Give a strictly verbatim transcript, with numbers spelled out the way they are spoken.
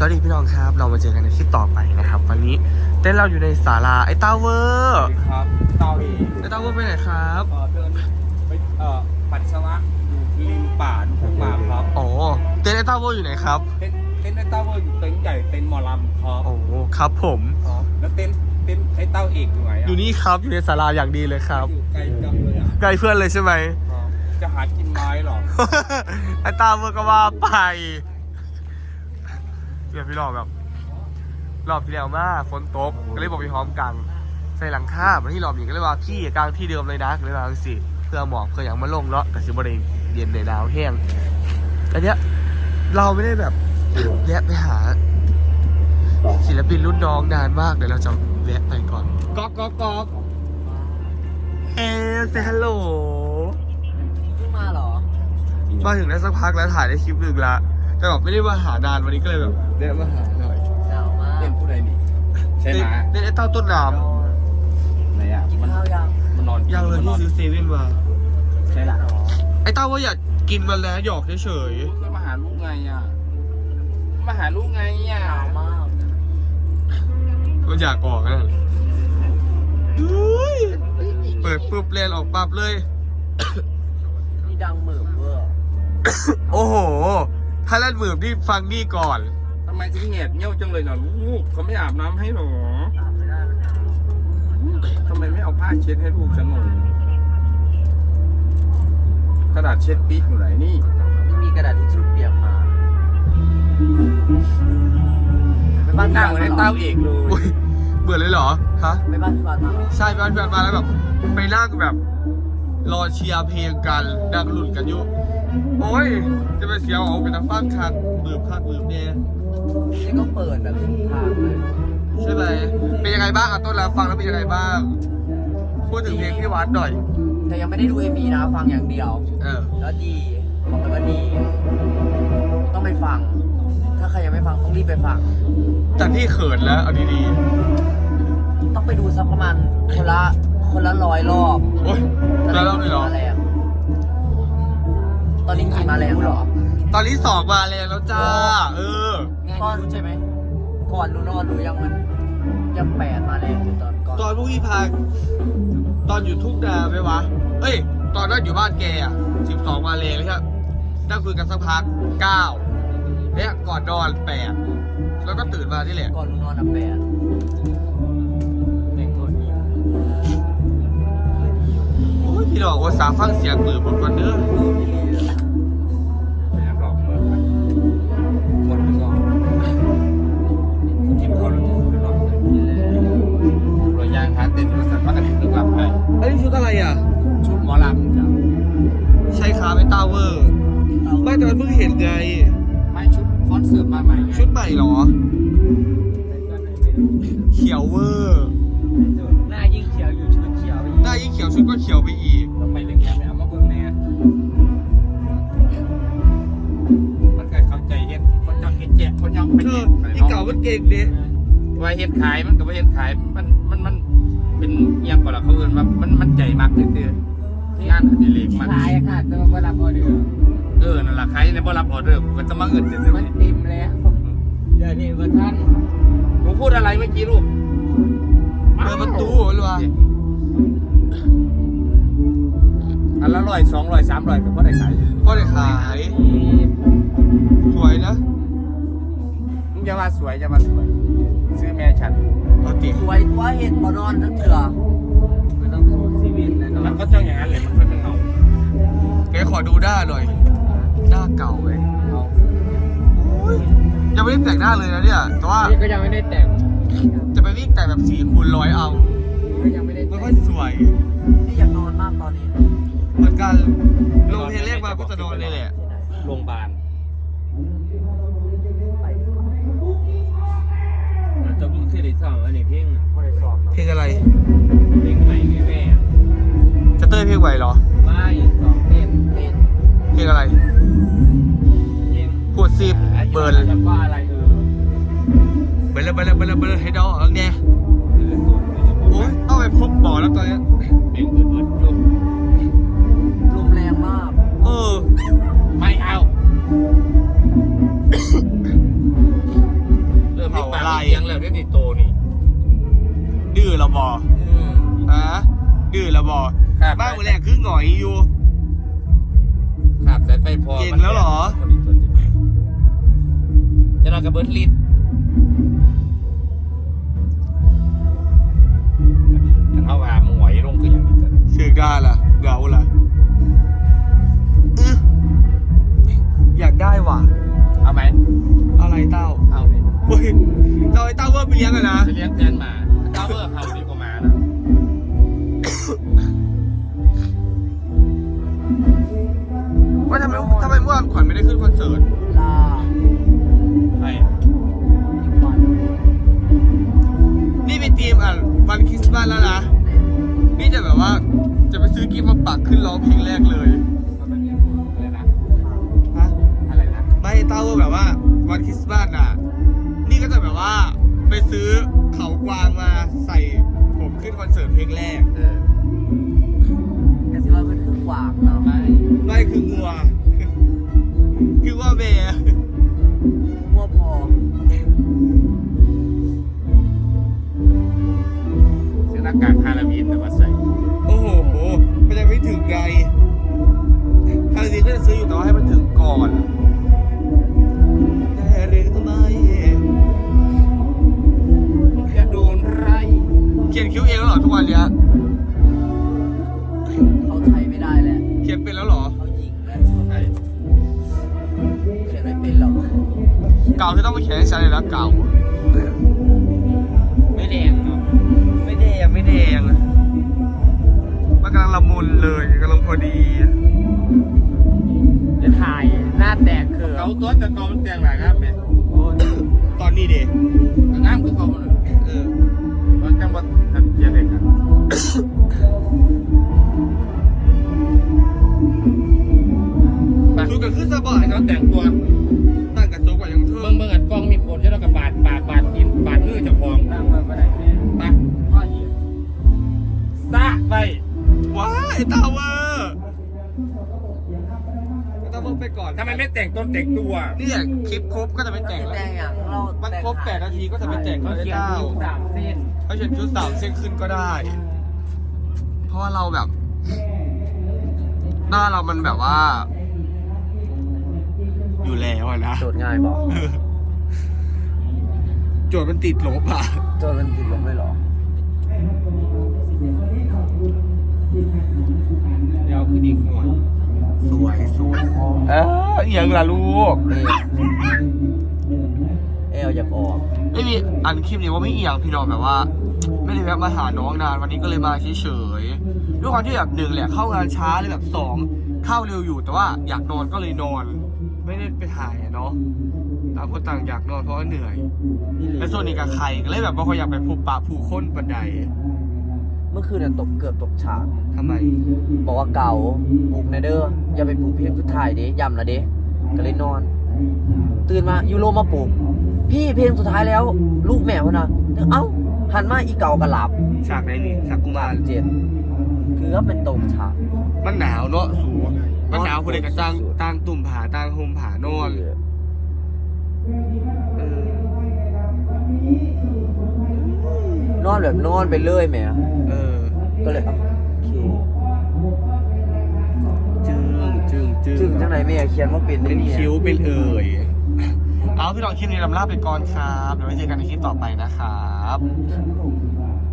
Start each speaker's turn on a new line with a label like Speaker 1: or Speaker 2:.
Speaker 1: วัสดีพี่น้องครับเรามาเจอกันในคลิปต่อไปนะครับวันนี้เต้นเราอยู่ในศาลาไอ้ต้าเวอร์
Speaker 2: ครับเต้าเอง
Speaker 1: ไอ้ต้าเวอร์ไปไหนครับ
Speaker 2: เออเดินไปเอ่อปัสสาวะอยู่ริมป่าทุ่งมาครับ
Speaker 1: โอ้เต้นไอ้ต้าเวอร์อยู่ไหนครับ
Speaker 2: เต้นเต้นไอ้เต้าว่าอยู่เต็นท์ใหญ่เต็นท์หมอลำครับ
Speaker 1: โอ้ครับผม
Speaker 2: ครับแล้วเต้นเต้นไอ้เต้าเอกอยู่ไหน
Speaker 1: อยู่นี่ครับอยู่ในศาลาอย่างดีเลยครับ
Speaker 2: อยู่ไกลจังเลยอ่ะ
Speaker 1: ใกล้เพื่อนเลยใช่ไหม
Speaker 2: ครับจะหากินไม้หรอ
Speaker 1: ไอ้ต้าเวอร์ก็ว่าไปเนี่ยพี่น้องแบบรอบที่แล้วมาฝนตกก็เลยบอกพี่หอมกังใส่หลังคาวันที่รอบนี้ก็เลยว่าพี่กลางที่เดิมเลยนะก็เลยว่าสิเพื่อหมอกเพื่ออย่างมาลงเนาะแต่สิบริเย็นในดาวแห้งอันเนี้ยเราไม่ได้แบบแวะไปหาศิลปินรุ่นน้องนานมากเดี๋ยวเราจะแวะไปก่อนก๊อกก๊อกก๊อกเฮ้เซฮัลโหล
Speaker 3: เพิ่งมาเหรอ
Speaker 1: มาถึงได้สักพักแล้วถ่ายได้คลิปหนึ่งละแต่แบบไม่ได้มาหานานวันนี้ก็เลยแบบแวะมาหาหน่อย
Speaker 3: หนาวมาก
Speaker 2: เต้นผู้ใดนี่ใช่ไหม
Speaker 1: เล่นไอ้เต้าต้นน้
Speaker 2: ไหนอ่ะ
Speaker 3: กิน
Speaker 2: มัน
Speaker 3: ข้าวยัง
Speaker 2: มันนอน
Speaker 1: ำยังเลยที่ซื้อเซเว่นมา
Speaker 2: ใช่ละ
Speaker 1: ไอ้เต้าว่าอยากกินมันแล้วหยอกเฉย
Speaker 2: ก็มาหาลูกไงอ่ะมาหาลูกไงอ่ะ
Speaker 3: หนาวมาก
Speaker 1: ๆมันอยากออกนะอุ๊ยเปิดปุ๊บเรียนออกปั๊บเลย
Speaker 3: นี่ดังเหมือบเวอร์
Speaker 1: โอ้โห ถ้าเล่นมือนี่ฟังนี่ก่อน
Speaker 2: ทำไมถึงแหบเงี้ยวจังเลยล่ะลูกเขาไม่อาบน้ำให้หรอ
Speaker 3: อาบไม่ได้มันหนาว
Speaker 2: ทำไมไม่เอาผ้าเช็ดให้ลูกฉันหน่อยกระดาษเช็ดปี๊กอยู่ไหนนี่
Speaker 3: ไม่มีกระดาษทิชชู่เปียกมาไปบ้าน
Speaker 2: หน้า
Speaker 3: พี่
Speaker 2: เหมือน
Speaker 3: วั
Speaker 2: ไอ้
Speaker 3: ด
Speaker 2: เต้าเอกเลย
Speaker 1: อุ๊ยเบื่อเลยเหรอ ฮะ
Speaker 3: ไปบ้านพี่วัดมาเหรอ
Speaker 1: ใช่ไปบ้านเพื่อนมาแล้วแบบไปนั่งแบบ รอเชียร์เพลงกันนั่งหลุดกันอยู่ โอ้ย จะไปเสียเอาเป็นนักฟังคันมือคันมือเนี่ย
Speaker 3: นี่ก็เปิดแบบสุดทางเลย
Speaker 1: ใช่ไหมเป็นยังไงบ้างอ่ะต้นแล้วฟังแล้วเป็นยังไงบ้าง พูดถึงเพลงพี่วัดหน่อย
Speaker 3: แต่ยังไม่ได้ดูเอ็มวีนะฟังอย่างเดียว
Speaker 1: เออ
Speaker 3: แล้วดีบอกเลยว่าดี ต้องไปฟัง ถ้าใครยังไม่ฟังต้องรีบไปฟัง
Speaker 1: จากที่เขินแล้วเอาดี
Speaker 3: ต้องไปดูสักประมาณคนละคนละร้อยรอบ
Speaker 1: ๆ โอ๊ยแล้วเราเลยเหรอ
Speaker 3: มาแรงตอนนี้กี่มาแรงเหรอ
Speaker 1: ตอนนี้สองมาแรงแล้วจ้า เออ
Speaker 3: ก่อนใช่ไหมก่อนรู้นอนรู้ยังมันยังแปดมาแรงอยู่ตอนก่อน
Speaker 1: ตอนพวกพี่พาตอนอยู่ทุ่งนาไหมวะ เอ้ย ตอนนั้นอยู่บ้านแกอ่ะสิบสองมาแรงเลยครับนั่งคุยกันสักพักเก้าเนี่ยก่อนนอนแปดแล้วก็ตื่นมาที่แหละ
Speaker 3: ก่อนรู้นอนอ่ะแปดเด็กตัวนี้
Speaker 1: โอ้ยพี่ดอกว่าสาฟังเสียงมือบนวันเด้อ
Speaker 2: ไม่อยากหลอกเลยหมดไปก่อนกินข้าวแล้วจะพูดหลอกเลยเราย่างหาเต้นบริษัทว่ากันถึงหลับไป
Speaker 1: อันนี้ชุดอะไรอ่ะ
Speaker 2: ชุดหมอลำจ้ะ
Speaker 1: ใช่ครับไอ้ตาเวอร์ไม่แต่มันเพิ่งเห็นไง
Speaker 2: ไม่ชุดคอนเสิร์ตมาใหม่ไง
Speaker 1: ชุดใหม่เหรอ เขียวเวอร์
Speaker 3: หน้ายิ่งเขียวอยู่ชุดเขียวอีก
Speaker 1: หน้ายิ่งเขียวชุดก็เขียวไปอีก
Speaker 2: ทำไมเรื่องนี้ไม่เอามาเบิ่งแน่มันก็เข้าใจเฮ็ดคนยังเฮ็ดแจกคนยังเป็น
Speaker 1: เออ
Speaker 2: ไป
Speaker 1: อี
Speaker 2: เนาะ
Speaker 1: เก่ามันเก่งดิ
Speaker 2: ว่าเฮ็ดขายมันก็บ่เฮ็ดขายมันมันมันเป็นเอียงกว่าล่ะเขาเอิ้นว่ามันมันใจมักซื่อๆงานอดิเรกมัน
Speaker 3: ขายอะค่ะจะมารับออเดอร์
Speaker 2: เออนั่นล่ะขายในบ่รับออเดอร์ผมก็จะมาเอิ้นซื่อ
Speaker 3: มันเต็มแล้วเดี๋ยวนี้ว่าท่าน
Speaker 2: ๆหนูพูดอะไรเมื่อกี้ลูก
Speaker 1: เปิดประตูหรือวะ
Speaker 2: อันละร้อยสองร้อยสามร้อยก็บ่ได้ขาย
Speaker 1: พ่อได้ขาย สวยนะ
Speaker 2: มึงอย่าว่าสวยอย่าว่าสวยซื้อแม่ฉัน
Speaker 1: เอาติ
Speaker 3: สวยตัวเห็นบอนอนทั้งเถื่อมันต้องสู้ชีวิตเลย
Speaker 2: มัน
Speaker 3: เนาะ
Speaker 2: ก็ต้องอย่างนั้นแหละมันค่อยเป็นเงา
Speaker 1: แกขอดูหน้าหน่อย หน้าเก่าเลย
Speaker 2: เอา
Speaker 1: โอ้ยยังไม่ได้แต่งหน้าเลยนะเนี่ย แต่ว่า
Speaker 3: นี่ก็ยังไม่ได้แต่ง
Speaker 1: จะไปวิ่งแต่งแบบสี่คูณร้อยเอา
Speaker 3: ก็ยังไม่ได้
Speaker 1: ไม่
Speaker 3: แต่ง
Speaker 1: ค่อยสวย
Speaker 3: นี่อยากนอนมากตอนนี้
Speaker 1: เหมือนกันลงเพลงแรกมาก็จะนอนเลยแหละ
Speaker 2: โรงพยาบาล
Speaker 3: ไปดีกว่า
Speaker 4: จะบุกที่ได้สองอันนี้เพ่ง
Speaker 3: ไม่ได้สอบ
Speaker 1: เพลงอะไร
Speaker 4: เพลงใหม่แม่แม่
Speaker 1: จะเต้ยเพลงไหวเหรอ
Speaker 4: ไม่สองเต้น
Speaker 3: เต้น
Speaker 1: เพลงอะไร
Speaker 4: เพลง
Speaker 1: พูดสิบเบิร์น
Speaker 4: แล้วก็อะไรเออ
Speaker 1: เบิร์นเบิร์นเบิร์นเบิร์นให้ดอกเอาเนี่ย
Speaker 4: เออตัวนี้จะ
Speaker 1: โอ้ยต้องไปพบหมอแล้วตอนเนี้ย
Speaker 4: เพลงอื่นๆจบ
Speaker 3: ลมแรงมาก
Speaker 1: เออ
Speaker 2: ไม่เอาเสียงแล้วได้ติดโตนี่
Speaker 1: ดื้อเราบอ
Speaker 2: อืม
Speaker 1: ฮะดื้อเราบอ
Speaker 2: ครับ
Speaker 1: บ้านมือแรกคือหงอยอยู่
Speaker 2: ครับสายไฟพอ
Speaker 1: เก่งแล้วเหรอ
Speaker 2: จะนอนกับเบิร์ดลิดกันเอาว่ามึงไหวลงคืออย่างนี้แต่
Speaker 1: เสือกได้ล่ะเดาล่ะอื้ออยากได้ว่ะ
Speaker 2: เอาไหม
Speaker 1: อะไรเต้า
Speaker 2: เอาเลย
Speaker 1: เฮ้ยเต้าไอ้เต้าเว่าไปเลี้ยงอะนะ
Speaker 2: จะเลี้ยงแทนหมาเจ้าเบอร์เห่าดีกว่าหมานะ
Speaker 1: ว่าทำไมทำไมเมื่อวานขวัญไม่ได้ขึ้นคอนเสิร์ต
Speaker 3: ลา
Speaker 2: ใช่
Speaker 3: อีกวัน
Speaker 1: นี่เป็นทีมอ่ะวันคริสต์มาสแล้วนะ นี่จะแบบว่าจะไปซื้อกิฟต์มาปักขึ้นร้องเพลงแรกเลย
Speaker 2: อะไรนะ
Speaker 1: ฮะ
Speaker 2: อะไรนะ
Speaker 1: ไม่เต้าว่าแบบว่าวันคริสต์มาสอ่ะ นี่ก็จะแบบว่าไปซื้อเขากวางมาใส่ผมขึ้นคอนเสิร์ตเพลงแรก
Speaker 2: เออ
Speaker 3: แต่สิว่าเพิ่นคือขวางเนาะ
Speaker 2: ไม่
Speaker 1: ไม่คืองัว คือว่าเบย์
Speaker 3: มัวพอ
Speaker 2: ซื้อหน้ากากฮาโลวีนแต่ว่าใส่
Speaker 1: โอ้โห มันยังไม่ถึงไงทางนี้ก็จะซื้ออยู่แต่ว่าให้มันถึงก่อนแต่หรือไม่
Speaker 2: จะโดนไร
Speaker 1: เขียนคิ้วเองแล้วเหรอทุกวันเนี้ย
Speaker 3: เขาใช้ไม่ได้แล้ว
Speaker 1: เขียนเป็นแล้วเหรอ
Speaker 3: เขายิงแล้ว
Speaker 2: ใช่
Speaker 3: เขียนไม่เป็นหรอก
Speaker 1: เก่าที่ต้องไปเขียนให้ฉันเลยนะเก่า
Speaker 2: ไม่แดงเนาะ
Speaker 1: ไม่แดงไม่แดงมันกำลังละมุนเลยกำลังพอดี
Speaker 3: จะถ่ายหน้าแตกคือ
Speaker 2: เขาตัวแต่เขาแต่งหลายครับเนี่ย
Speaker 1: ตอนนี้เด็ก
Speaker 2: งามคือเขา
Speaker 1: เออ
Speaker 2: ตอนจังหวัดทันเจียเด็กครับ
Speaker 1: ชุดกันขึ้นสบาย
Speaker 2: เขาแต่งตัว
Speaker 1: ตั้งกระจกไว้ยังเทิ
Speaker 2: เบิ่งเบิ่งอันกล้องมีคนจะต้องกับบาดบาดบาดกินบาดมือเจ้าของ
Speaker 3: นั่งมาไม่ได้แม่
Speaker 2: ไปพ่อเหี้ยซะไป
Speaker 1: ว้ายไอ้ตาวเวอร์ไอ้ตาวเวอร์ไปก่อน
Speaker 2: ทำไมไม่แต่งต้นแต่งตัว
Speaker 1: เนี่ยคลิปครบก็จะไปแต่ง
Speaker 3: แต
Speaker 1: แล้ว
Speaker 3: งอย่างเรา
Speaker 1: มัน
Speaker 3: แต่ง
Speaker 1: ครบแปดนาทีก็จะไปแต่งแล้วไอ้
Speaker 2: เขียน
Speaker 1: เต้า
Speaker 2: คิ้วสามเส้น
Speaker 1: เขาเขียนชุดสามเส้นขึ้นก็ได้ เพราะว่าเราแบบ หน้าเรามันแบบว่า อยู่แล้วอะนะ
Speaker 3: โจทย์ง่ายบอก
Speaker 1: โจทย์มันติดลบอ่ะ
Speaker 3: โจทย์มันติดลบไม่หรอ
Speaker 2: เดี๋ยวคือดีหน่อย
Speaker 1: สวยสวยเอออหย่างละลูก
Speaker 3: เอลอยากออก
Speaker 1: ไม่มีอันคลิปนี้ว่าไม่เอียงพี่น้องแบบว่า ไม่ได้แวะมาหาน้องนานวันนี้ก็เลยมาเฉยๆด้วยความที่แบบหนึ่งแหละเข้างานช้าเลยแบบสองเข้าเร็วอยู่แต่ว่าอยากนอนก็เลยนอน ไม่ได้ไปถ่ายอะเนาะต่างคนต่างอยากนอนเพราะว่าเหนื่อยและส่วนนี้กับใครก็เลยแบบว่าเขาอยากไปพบปะผู้คนบันได
Speaker 3: เมื่อคืนน่ะตกเกือบตกฉาก
Speaker 1: ทำไม
Speaker 3: บอกว่าเก่าปลุกในเด้ออย่าไปปลุกเพลงสุดท้ายเด้ย้ำละเด้ก็เลยนอน ตื่นมายูโรมาปลุกพี่เพลงสุดท้ายแล้ว ลูกแม่พะนะเอ้าหันมาอีเก่ากระหลับ
Speaker 1: ฉากไหนนี่ฉากกุมาร
Speaker 3: เจ็ดคือก็เป็นตกฉาก
Speaker 1: มันหนาวเนาะสูมันหนาวคนใดก็ตั้งตั้งตุ่มผาตั้งโฮมผานอนเออน
Speaker 3: อนแบบนอนไปเรื่อยแหม่
Speaker 1: เออ
Speaker 3: ก็เลยเอาโอเค
Speaker 1: จึงจึงจึง
Speaker 3: ถึงจังไหนแม่เขียนว่าเป็น
Speaker 1: เป็น
Speaker 3: นี่
Speaker 1: คิ้วเป็นเอ่ยเอาพี่น้องคลิปนี้ลำลาไปก่อนครับเดี๋ยวไว้เจอกันในคลิปต่อไปนะครับ